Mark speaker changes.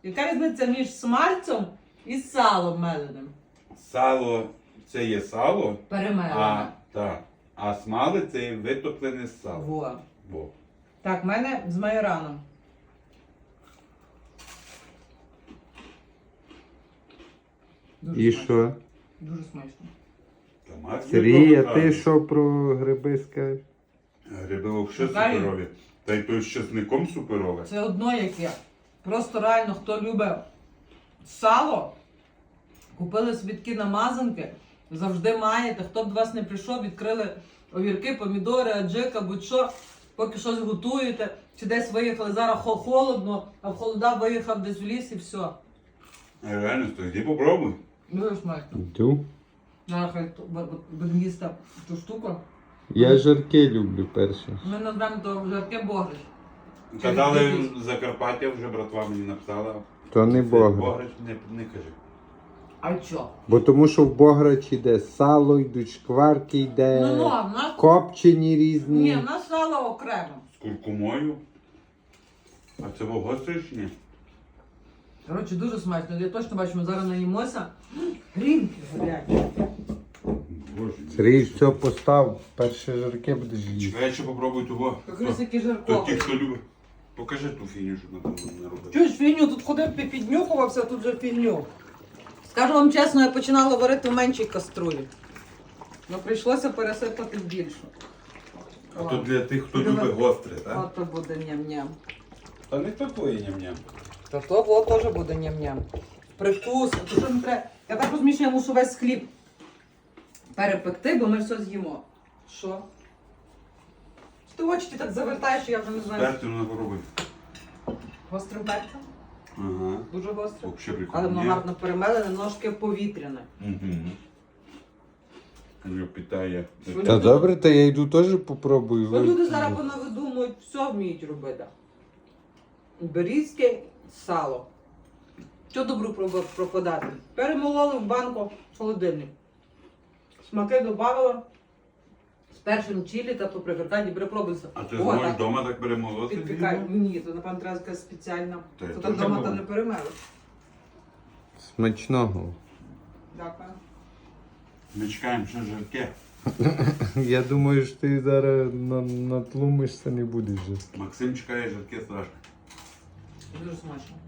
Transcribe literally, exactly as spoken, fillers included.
Speaker 1: Яка різниця між смальцем і салом меленим?
Speaker 2: Сало це є сало,
Speaker 1: Перемелене.
Speaker 2: а, та, а смали це є витоплене сало.
Speaker 1: Во.
Speaker 2: Во.
Speaker 1: Так, в мене з майораном. Дуже
Speaker 3: І
Speaker 1: смачно.
Speaker 3: що?
Speaker 1: Дуже смачно.
Speaker 2: Та Макс
Speaker 3: Сергій, а
Speaker 2: ніколи
Speaker 3: ти
Speaker 2: не
Speaker 3: що про гриби скажеш?
Speaker 2: Гриби взагалі
Speaker 1: Шукаю.
Speaker 2: суперові. Та й той з чесником суперове.
Speaker 1: Це одно яке. Просто реально, хто любить сало, купили собі такі намазанки, завжди маєте. Хто б до вас не прийшов, відкрили огірки, помідори, аджика, будь-що, поки щось готуєте, чи десь виїхали, зараз хо- холодно, а в холода виїхав десь в ліс і все.
Speaker 2: Реально, то йди попробуй.
Speaker 1: Дуже смачно.
Speaker 3: Йду.
Speaker 1: Зараз хай то- бу- бу- будемо їсти цю штуку.
Speaker 3: Я жарки люблю перше.
Speaker 1: Ми назвемо то жарке богрич.
Speaker 2: Казали
Speaker 1: Через
Speaker 2: Закарпаття, вже братва мені написала.
Speaker 3: То не
Speaker 2: Це
Speaker 3: бограч.
Speaker 2: Бограч не, не кажи.
Speaker 1: А що?
Speaker 3: Бо тому що в бограчі йде сало, йдуть шкварки, йде
Speaker 1: Ну, ну, а в нас...
Speaker 3: копчені різні.
Speaker 1: Ні, в нас сало окремо.
Speaker 2: З куркумою. А це во гостре чи ні?
Speaker 1: Коротше, дуже смачно. Я точно бачу, ми зараз наїмося. Грінки гарячі.
Speaker 2: Боже.
Speaker 3: Сергій, все постав, перші жарки будеш їсти.
Speaker 2: Чекай, ще попробуй того.
Speaker 1: Якраз які
Speaker 2: То ті,
Speaker 1: жарко.
Speaker 2: хто любить. Покажи ту фігню, що там не робити.
Speaker 1: Чуєш фігню, тут ходив, пі- піднюхувався, тут вже фігню. Скажу вам чесно, я починала варити в меншій каструлі. Ну прийшлося пересипати в більшу.
Speaker 2: А то для тих, хто
Speaker 1: Любить.
Speaker 2: любить гостре, так?
Speaker 1: Ото буде ням-ням.
Speaker 2: Та не такої ням-ням.
Speaker 1: Та то во теж буде ням-ням. Прикус, то що не треба. Я так розумію, що я мушу весь хліб перепекти, бо ми все з'їмо. Що? Ти очі так завертаєш, що я вже не знаю.
Speaker 2: Перцю не попробуй.
Speaker 1: Гострим перцем?
Speaker 2: Ага.
Speaker 1: Дуже гострим.
Speaker 2: Вообще прикольно.
Speaker 1: Але воно гарно перемелене, ножки повітряне.
Speaker 2: Угу. Його питає.
Speaker 1: Що
Speaker 3: Та добре, та я йду теж попробую.
Speaker 1: Бо люди зараз понавидумують, все вміють робити. Берізьке сало. Що добру проб- пропадати? Перемололи в банку в холодильник. Смаки додавала. З першим чилі та паприка, ні, перепробуйся.
Speaker 2: А ти
Speaker 1: О,
Speaker 2: зможеш
Speaker 1: так,
Speaker 2: вдома так перемолоти?
Speaker 1: підпікай. Ні, то напевно треба якась спеціальна.
Speaker 2: Та я
Speaker 1: То
Speaker 2: теж
Speaker 1: так вдома
Speaker 2: можу.
Speaker 1: та не перемели.
Speaker 3: Смачного.
Speaker 1: Дякую.
Speaker 2: Ми чекаємо, що жарке.
Speaker 3: Я думаю, що ти зараз на- натлумишся, не будеш же.
Speaker 2: Максим чекає жарке страшно.
Speaker 1: Дуже смачно.